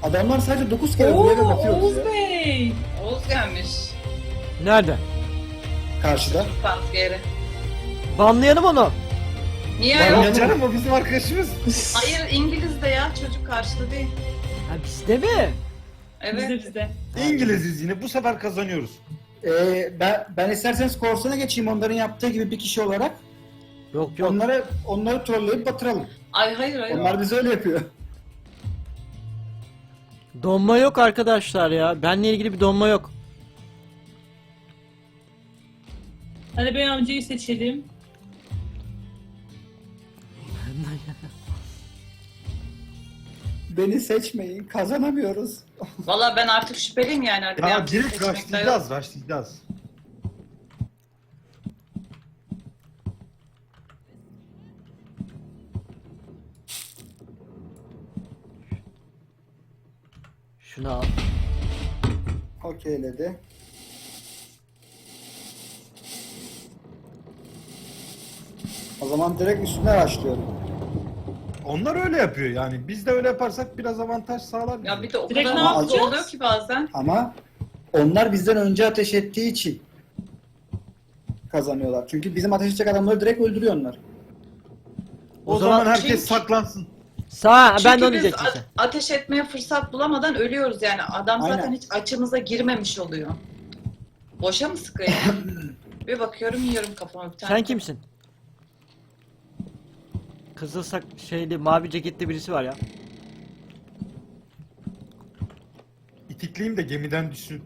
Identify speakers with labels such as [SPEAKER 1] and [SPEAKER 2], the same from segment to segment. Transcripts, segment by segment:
[SPEAKER 1] Adamlar sadece 9 kere buraya da bakıyoruz
[SPEAKER 2] Oğuz
[SPEAKER 1] ya.
[SPEAKER 2] Bey.
[SPEAKER 3] Oğuz gelmiş.
[SPEAKER 4] Nerede?
[SPEAKER 1] Karşıda.
[SPEAKER 3] Panskeri.
[SPEAKER 4] Banlayalım onu.
[SPEAKER 3] Niye
[SPEAKER 1] Var
[SPEAKER 3] yok?
[SPEAKER 1] ya.
[SPEAKER 5] Canım o bizim arkadaşımız.
[SPEAKER 3] Hayır İngiliz de ya çocuk karşıda değil.
[SPEAKER 4] Ha bizde mi?
[SPEAKER 3] Evet.
[SPEAKER 2] Bizde.
[SPEAKER 5] İngiliziz yine bu sefer kazanıyoruz.
[SPEAKER 1] Ben isterseniz korsana geçeyim onların yaptığı gibi bir kişi olarak.
[SPEAKER 4] Yok yok.
[SPEAKER 1] Onları trolleyip batıralım.
[SPEAKER 3] Ay hayır.
[SPEAKER 1] Onlar bize öyle yapıyor.
[SPEAKER 4] Donma yok arkadaşlar ya. Benle ilgili bir donma yok.
[SPEAKER 2] Hadi Bey amcayı seçelim.
[SPEAKER 1] Beni seçmeyin, kazanamıyoruz.
[SPEAKER 3] Valla ben artık şüpheliyim yani. Hadi
[SPEAKER 5] Ya
[SPEAKER 3] bir
[SPEAKER 5] direkt
[SPEAKER 3] seçmekte yok.
[SPEAKER 5] rushlayacağız.
[SPEAKER 4] Şunu al.
[SPEAKER 1] Okeyledi. O zaman direkt üstüne başlıyorum.
[SPEAKER 5] Onlar öyle yapıyor yani. Biz de öyle yaparsak biraz avantaj sağlar bize.
[SPEAKER 3] Ya bir de o
[SPEAKER 2] Direkt
[SPEAKER 3] kadar
[SPEAKER 2] ne
[SPEAKER 3] hızlı
[SPEAKER 2] yapacağız?
[SPEAKER 3] oluyor ki bazen.
[SPEAKER 1] Ama onlar bizden önce ateş ettiği için kazanıyorlar. Çünkü bizim ateş edecek adamları direkt öldürüyor onlar.
[SPEAKER 5] O zaman
[SPEAKER 4] zaman
[SPEAKER 5] herkes
[SPEAKER 3] çünkü-
[SPEAKER 5] saklansın.
[SPEAKER 4] Sağ ben de
[SPEAKER 3] Çünkü
[SPEAKER 4] onu
[SPEAKER 3] biz
[SPEAKER 4] diyecektim sen.
[SPEAKER 3] ateş etmeye fırsat bulamadan ölüyoruz yani. Adam zaten
[SPEAKER 1] Aynen.
[SPEAKER 3] hiç açımıza girmemiş oluyor. Boşa mı sıkıyor? Bir bakıyorum yiyorum kafama bir tane.
[SPEAKER 4] Sen kimsin? Kızıl şeyli mavi ceketli birisi var ya.
[SPEAKER 5] İtikleyeyim de gemiden düşsün.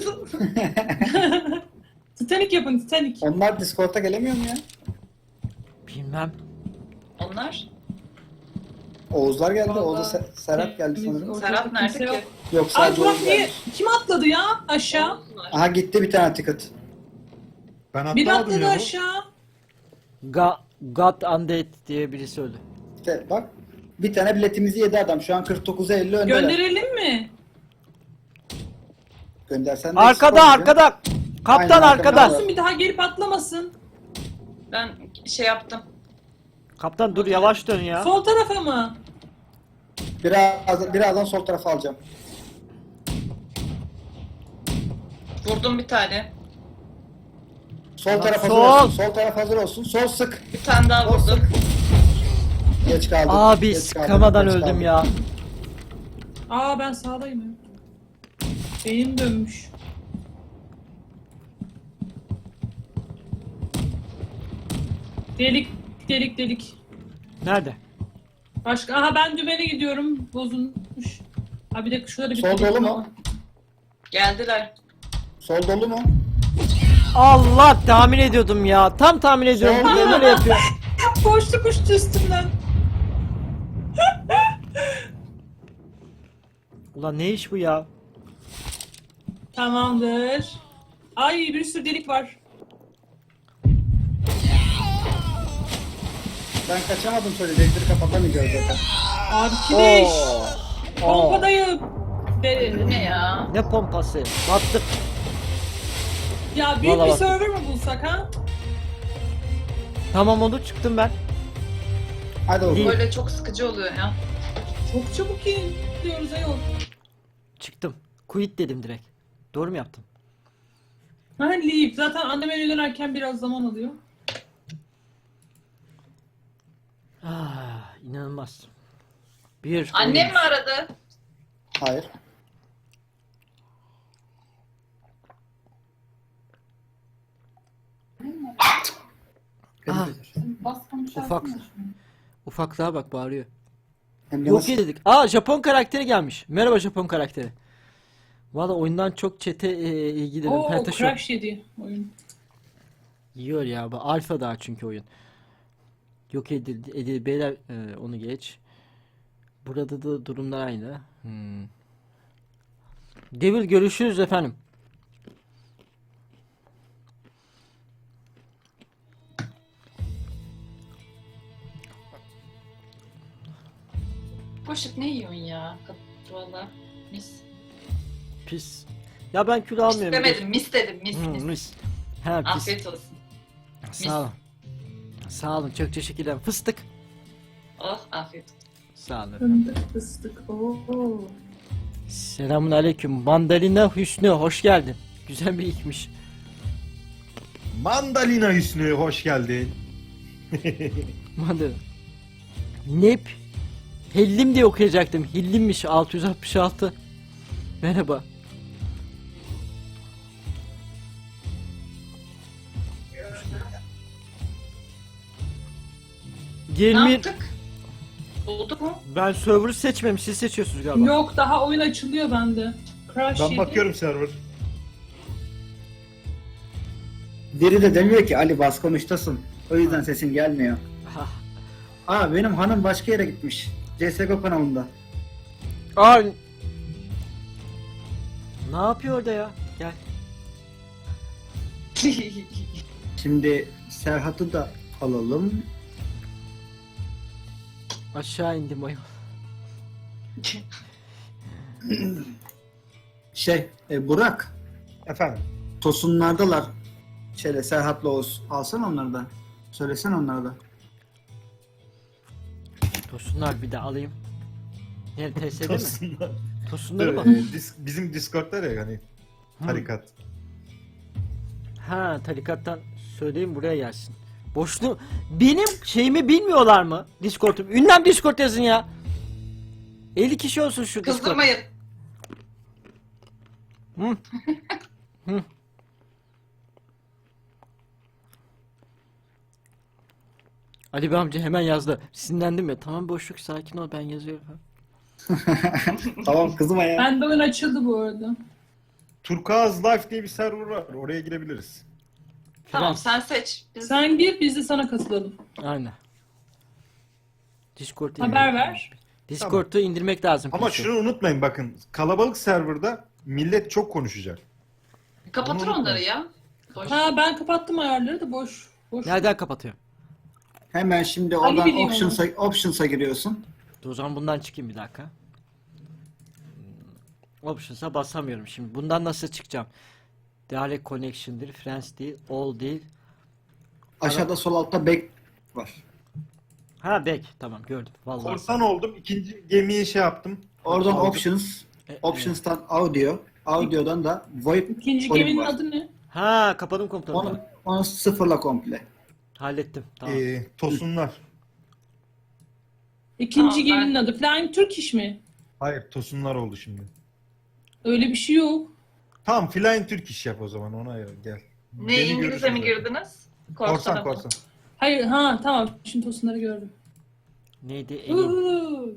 [SPEAKER 2] Titanic yapın Titanic.
[SPEAKER 1] Onlar Discord'a gelemiyor mu ya?
[SPEAKER 4] Bilmem.
[SPEAKER 3] Onlar?
[SPEAKER 1] Oğuzlar geldi,
[SPEAKER 3] Vallahi.
[SPEAKER 1] Oğuz'a Serap geldi sanırım.
[SPEAKER 2] Ortada
[SPEAKER 3] Serap nerede
[SPEAKER 2] kimse
[SPEAKER 3] ki?
[SPEAKER 2] yok.
[SPEAKER 1] Yok
[SPEAKER 2] Ay
[SPEAKER 1] sadece
[SPEAKER 2] Burak
[SPEAKER 1] Oğuz
[SPEAKER 2] niye?
[SPEAKER 1] gelmiş.
[SPEAKER 2] Kim atladı ya aşağı?
[SPEAKER 3] Oğuz var.
[SPEAKER 1] Aha gitti bir tane ticket.
[SPEAKER 5] Ben
[SPEAKER 2] Biri
[SPEAKER 5] atlamadım
[SPEAKER 2] atladı
[SPEAKER 5] ya.
[SPEAKER 2] aşağı.
[SPEAKER 4] God Undead diye birisi öldü.
[SPEAKER 1] İşte bak bir tane biletimizi yedi adam. Şu an 49'a 50 öndeler.
[SPEAKER 2] Gönderelim mi?
[SPEAKER 1] Göndersen de
[SPEAKER 4] Arkada
[SPEAKER 1] eksik
[SPEAKER 4] arkada. Kaptan
[SPEAKER 1] Aynen,
[SPEAKER 4] arkada.
[SPEAKER 1] arkada.
[SPEAKER 2] Olsun bir daha gelip atlamasın.
[SPEAKER 3] Ben şey yaptım.
[SPEAKER 4] Kaptan dur yavaş dön ya.
[SPEAKER 2] Sol tarafa mı?
[SPEAKER 1] Birazdan sol tarafa alacağım.
[SPEAKER 3] Vurdum bir tane.
[SPEAKER 1] Sol
[SPEAKER 4] Lan
[SPEAKER 1] taraf hazır
[SPEAKER 4] sol.
[SPEAKER 1] olsun. Sol taraf hazır olsun. Sol sık.
[SPEAKER 3] Bir tane daha
[SPEAKER 1] Sol
[SPEAKER 3] vurdum.
[SPEAKER 1] sık. Geç kaldım.
[SPEAKER 4] Abi
[SPEAKER 1] geç kaldım,
[SPEAKER 4] sıkamadan
[SPEAKER 1] geç
[SPEAKER 4] öldüm
[SPEAKER 1] kaldım.
[SPEAKER 4] ya.
[SPEAKER 2] Aa ben sağdayım ya. Benim dönmüş. Delik delik delik.
[SPEAKER 4] Nerede?
[SPEAKER 2] Başka aha ben dümene gidiyorum. Bozulmuş. Ha bir de şurada bir
[SPEAKER 1] Sol dolu mu?
[SPEAKER 3] Geldiler.
[SPEAKER 1] Sol dolu mu?
[SPEAKER 4] Allah tahmin ediyordum ya. Tam tahmin ediyorum.
[SPEAKER 1] Sol
[SPEAKER 4] Niye böyle yapıyor?
[SPEAKER 2] Boşluk uçtu üstümden.
[SPEAKER 4] Ulan ne iş bu ya?
[SPEAKER 2] Tamamdır. Ay bir sürü delik var.
[SPEAKER 1] Ben kaçamadım söyleyecekleri kapatamayacağız zaten.
[SPEAKER 2] Arkadaş.
[SPEAKER 4] Oo.
[SPEAKER 2] Pompadayım.
[SPEAKER 3] Bu ne ya?
[SPEAKER 4] Ne pompası? Battık.
[SPEAKER 2] Ya büyük
[SPEAKER 4] Vallahi
[SPEAKER 2] bir
[SPEAKER 4] bak.
[SPEAKER 2] server mı bulsak ha?
[SPEAKER 4] Tamam oldu çıktım ben.
[SPEAKER 1] Hadi oğlum.
[SPEAKER 4] Değil.
[SPEAKER 3] Böyle çok sıkıcı oluyor ya.
[SPEAKER 2] Çok çabuk gidiyoruz ayol.
[SPEAKER 4] Çıktım. Quit dedim direkt. Doğru mu yaptım?
[SPEAKER 2] Ha leave. Zaten anneme dönerken biraz zaman alıyor.
[SPEAKER 4] Ah, inanılmaz. Bir
[SPEAKER 3] Annem mi aradı?
[SPEAKER 1] Hayır.
[SPEAKER 4] Ah, ufaklığa bak bağırıyor.
[SPEAKER 1] Hem de
[SPEAKER 4] Yok
[SPEAKER 1] nasıl-
[SPEAKER 4] dedik. Aa Japon karakteri gelmiş. Merhaba Japon karakteri. Valla oyundan çok çete ilgili.
[SPEAKER 2] Oo
[SPEAKER 4] Pentaş yok.
[SPEAKER 2] crash yedi oyun.
[SPEAKER 4] Yiyor ya. Bu alfa daha çünkü oyun. Yok edildi. Beyler onu geç. Burada da durumlar aynı. Devil görüşürüz efendim.
[SPEAKER 3] Boşluk ne yiyorsun ya? Valla mis.
[SPEAKER 4] Pis. Ya ben kilo
[SPEAKER 3] Mis
[SPEAKER 4] almıyorum.
[SPEAKER 3] demedim mis dedim mis mis.
[SPEAKER 4] Mis. Ha pis.
[SPEAKER 3] Afiyet olsun.
[SPEAKER 4] Sağ olun. Sağ olun. Çok teşekkürler. Fıstık.
[SPEAKER 3] Oh afiyet olsun.
[SPEAKER 4] Sağ olun.
[SPEAKER 2] Fındık fıstık. Oo.
[SPEAKER 4] Selamun aleyküm. Mandalina Hüsnü hoş geldin. Güzel bir ilkmiş.
[SPEAKER 5] Mandalina Hüsnü hoş geldin.
[SPEAKER 4] Mandalina. Nep. Hellim diye okuyacaktım. Hillimmiş 666. Merhaba.
[SPEAKER 3] Ne
[SPEAKER 4] Gelmir.
[SPEAKER 3] yaptık? Bulduk mu?
[SPEAKER 4] Ben server'ı seçmemiş. Siz seçiyorsunuz galiba.
[SPEAKER 2] Yok daha oyun açılıyor bende. Crash
[SPEAKER 5] Ben
[SPEAKER 2] yedi.
[SPEAKER 5] bakıyorum server.
[SPEAKER 1] Biri de demiyor ki Ali bas konuştasın. O yüzden sesin gelmiyor.
[SPEAKER 4] Ha.
[SPEAKER 1] Aa benim hanım başka yere gitmiş. CSGO kanalında.
[SPEAKER 4] Aa. Ne yapıyor orada ya? Gel.
[SPEAKER 1] Şimdi Serhat'ı da alalım.
[SPEAKER 4] Aşağı indim ayol.
[SPEAKER 1] Burak.
[SPEAKER 5] Efendim.
[SPEAKER 1] Tosunlardalar. Şöyle Serhat'la Oğuz. Alsana onları da. Söylesene onları da.
[SPEAKER 4] Tosunlar bir de alayım. Ne TS'de mi?
[SPEAKER 5] Tosunlar.
[SPEAKER 4] Tosunları mı?
[SPEAKER 5] Bizim Discord'da ya hani tarikat.
[SPEAKER 4] Ha tarikattan söyleyeyim buraya gelsin. Boşlu benim şeyimi bilmiyorlar mı? Discord'um. Ünlem Discord yazın ya. 50 kişi olsun şu Discord.
[SPEAKER 3] Kızdırmayın.
[SPEAKER 4] Hı. Hı. Ali Bey amca hemen yazdı. Sinirlendim ya. Tamam boşluk sakin ol ben yazıyorum.
[SPEAKER 1] Tamam kızım ya.
[SPEAKER 2] Bende oyun açıldı bu arada.
[SPEAKER 5] Turkuaz Life diye bir server var. Oraya girebiliriz.
[SPEAKER 3] Tamam sen seç. Biz
[SPEAKER 2] Sen gir biz de sana katılalım.
[SPEAKER 4] Aynen. Discord'u
[SPEAKER 2] Haber
[SPEAKER 4] indirmek
[SPEAKER 2] ver.
[SPEAKER 4] lazım. Discord'u indirmek lazım.
[SPEAKER 5] Ama
[SPEAKER 4] PC.
[SPEAKER 5] şunu unutmayın bakın. Kalabalık serverda millet çok konuşacak.
[SPEAKER 3] kapatır
[SPEAKER 5] Onu
[SPEAKER 3] onları ya. Boş.
[SPEAKER 2] Ha ben kapattım ayarları da boş. Boş.
[SPEAKER 4] Nereden kapatıyorum?
[SPEAKER 1] Hemen şimdi
[SPEAKER 2] Ali
[SPEAKER 1] oradan
[SPEAKER 2] biliyor
[SPEAKER 1] options'a giriyorsun.
[SPEAKER 4] Dur, o zaman bundan çıkayım bir dakika. Options'a basamıyorum şimdi. Bundan nasıl çıkacağım? Direct connection'dir, friends değil, all değil.
[SPEAKER 1] Aşağıda sol altta back var.
[SPEAKER 4] Ha back, tamam gördüm. Vallahi.
[SPEAKER 5] Korsan oldum. İkinci gemiyi şey yaptım.
[SPEAKER 1] Oradan
[SPEAKER 5] Aldım.
[SPEAKER 1] options'tan audio, audio'dan da VoIP
[SPEAKER 2] İkinci
[SPEAKER 1] volume
[SPEAKER 2] geminin
[SPEAKER 1] var.
[SPEAKER 2] adı ne?
[SPEAKER 4] Ha kapadım komutanım.
[SPEAKER 1] Onu sıfırla komple.
[SPEAKER 4] Hallettim. Tamam.
[SPEAKER 5] Tosunlar.
[SPEAKER 2] İkinci
[SPEAKER 3] Tamam,
[SPEAKER 2] geminin adı. Flying Turkish mi?
[SPEAKER 5] Hayır tosunlar oldu şimdi.
[SPEAKER 2] Öyle bir şey yok.
[SPEAKER 5] Tamam Flying Turk iş yap o zaman ona gel.
[SPEAKER 3] Ne
[SPEAKER 5] Beni
[SPEAKER 3] İngilizce mi
[SPEAKER 5] görürsün zaten.
[SPEAKER 3] girdiniz?
[SPEAKER 5] Korsan
[SPEAKER 3] mı?
[SPEAKER 5] korsan.
[SPEAKER 2] Hayır ha tamam. Şimdi tosunları gördüm.
[SPEAKER 4] Neydi? Elim.
[SPEAKER 2] Uhu.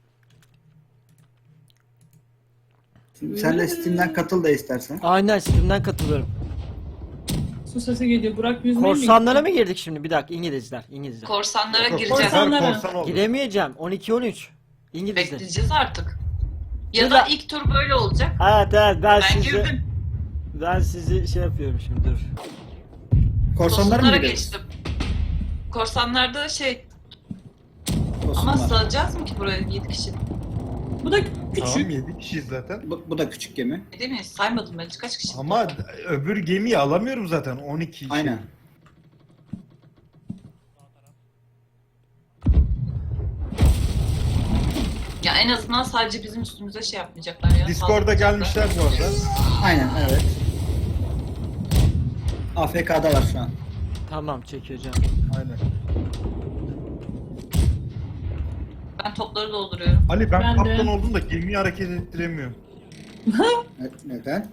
[SPEAKER 1] Sen de Steam'den katıl da istersen.
[SPEAKER 4] Aynen Steam'den katılıyorum.
[SPEAKER 2] Su sesi geliyor. Burak yüzmeye mi
[SPEAKER 4] Korsanlara
[SPEAKER 2] gitti?
[SPEAKER 4] mı girdik şimdi? Bir dakika İngilizler. İngilizler.
[SPEAKER 3] Korsanlara gireceğiz.
[SPEAKER 2] Korsanlara.
[SPEAKER 5] Korsan oldu.
[SPEAKER 4] Giremeyeceğim. 12-13. İngilizler.
[SPEAKER 3] Bekleyeceğiz artık. Ya
[SPEAKER 4] Ya
[SPEAKER 3] da
[SPEAKER 4] da-
[SPEAKER 3] ilk tur böyle olacak.
[SPEAKER 4] Evet ben
[SPEAKER 3] Ben
[SPEAKER 4] sizi
[SPEAKER 3] girdim.
[SPEAKER 4] ben sizi şey yapıyorum şimdi dur.
[SPEAKER 1] Korsanlara mı
[SPEAKER 3] Tosunlara
[SPEAKER 1] giriyoruz?
[SPEAKER 3] geçtim. Korsanlarda şey
[SPEAKER 1] Tosunlar.
[SPEAKER 3] ama sığacağız mı ki buraya 7 kişi?
[SPEAKER 2] Bu da
[SPEAKER 5] Tamam
[SPEAKER 2] küçük.
[SPEAKER 5] 7 kişiyiz zaten.
[SPEAKER 1] Bu da küçük gemi.
[SPEAKER 3] Değil mi? Saymadım ben. Kaç kişi?
[SPEAKER 5] Ama öbür gemiyi alamıyorum zaten 12 kişi.
[SPEAKER 1] Aynen.
[SPEAKER 3] Ya en azından sadece bizim üstümüze şey yapmayacaklar ya.
[SPEAKER 5] Discord'a
[SPEAKER 3] saldırmayacaklar.
[SPEAKER 5] gelmişler bu arada.
[SPEAKER 1] Aynen evet. AFK'dalar şu an.
[SPEAKER 4] Tamam çekiyor canım.
[SPEAKER 5] Aynen.
[SPEAKER 3] Ben topları dolduruyorum.
[SPEAKER 5] Ali ben
[SPEAKER 2] Ben de.
[SPEAKER 5] kaptan oldum da gemiyi hareket ettiremiyorum.
[SPEAKER 1] Neden?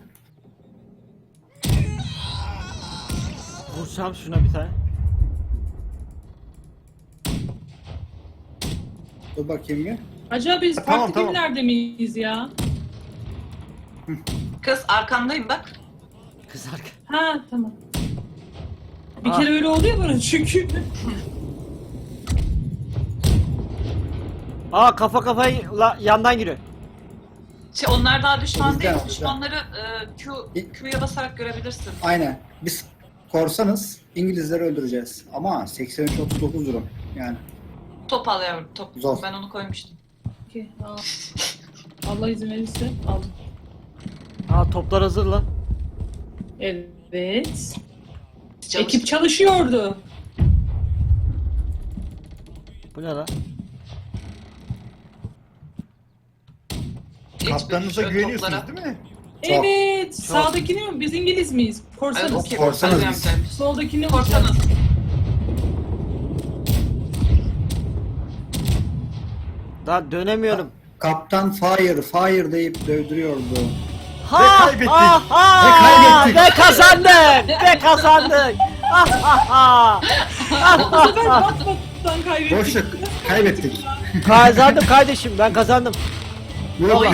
[SPEAKER 4] Vursam şuna bir tane.
[SPEAKER 1] Dur bakayım bir.
[SPEAKER 2] Acaba biz
[SPEAKER 5] Tamam,
[SPEAKER 2] farklı
[SPEAKER 5] tamam.
[SPEAKER 2] gemilerde miyiz ya?
[SPEAKER 3] Kız arkandayım bak.
[SPEAKER 4] Kız arka.
[SPEAKER 2] Ha tamam. Bir
[SPEAKER 4] Ah.
[SPEAKER 2] kere öyle oluyor bana çünkü.
[SPEAKER 4] Aa kafa kafayı yandan giriyor.
[SPEAKER 3] Şey, onlar daha düşman
[SPEAKER 1] Bizden,
[SPEAKER 3] değil.
[SPEAKER 1] bizden.
[SPEAKER 3] Düşmanları Q'ya basarak görebilirsin.
[SPEAKER 1] Aynen. Biz korsanız İngilizleri öldüreceğiz. Ama 83-39 durum. Yani
[SPEAKER 3] Top al yavrum top.
[SPEAKER 1] Zor.
[SPEAKER 3] Ben onu koymuştum.
[SPEAKER 2] Okey, al. Allah izin verirse aldım.
[SPEAKER 4] Aa toplar hazır lan.
[SPEAKER 2] Evet.
[SPEAKER 3] Çalıştı.
[SPEAKER 2] Ekip çalışıyordu.
[SPEAKER 4] Bu ne lan?
[SPEAKER 3] İlk
[SPEAKER 5] Kaptanınıza
[SPEAKER 3] o
[SPEAKER 5] güveniyorsunuz
[SPEAKER 3] toplara.
[SPEAKER 5] değil mi?
[SPEAKER 1] Çok.
[SPEAKER 2] Evet. Sağdakini mi? Biz İngiliz miyiz?
[SPEAKER 3] Evet,
[SPEAKER 2] Korsanız.
[SPEAKER 3] okey.
[SPEAKER 1] Korsanız
[SPEAKER 3] Korsanız
[SPEAKER 1] biz.
[SPEAKER 3] yapacağız.
[SPEAKER 2] Soldakini
[SPEAKER 3] Korsanız.
[SPEAKER 4] Daha dönemiyorum.
[SPEAKER 1] Kaptan fire deyip dövdürüyordu.
[SPEAKER 4] Ha,
[SPEAKER 5] kaybettik.
[SPEAKER 4] ha,
[SPEAKER 5] Ve kaybettik.
[SPEAKER 4] Ve kazandık. Ve kazandık. Ha ha ha.
[SPEAKER 2] Bu sefer batmadan kaybettik.
[SPEAKER 1] Boşluk kaybettik.
[SPEAKER 4] Kazandım kardeşim, ben kazandım.
[SPEAKER 1] Yok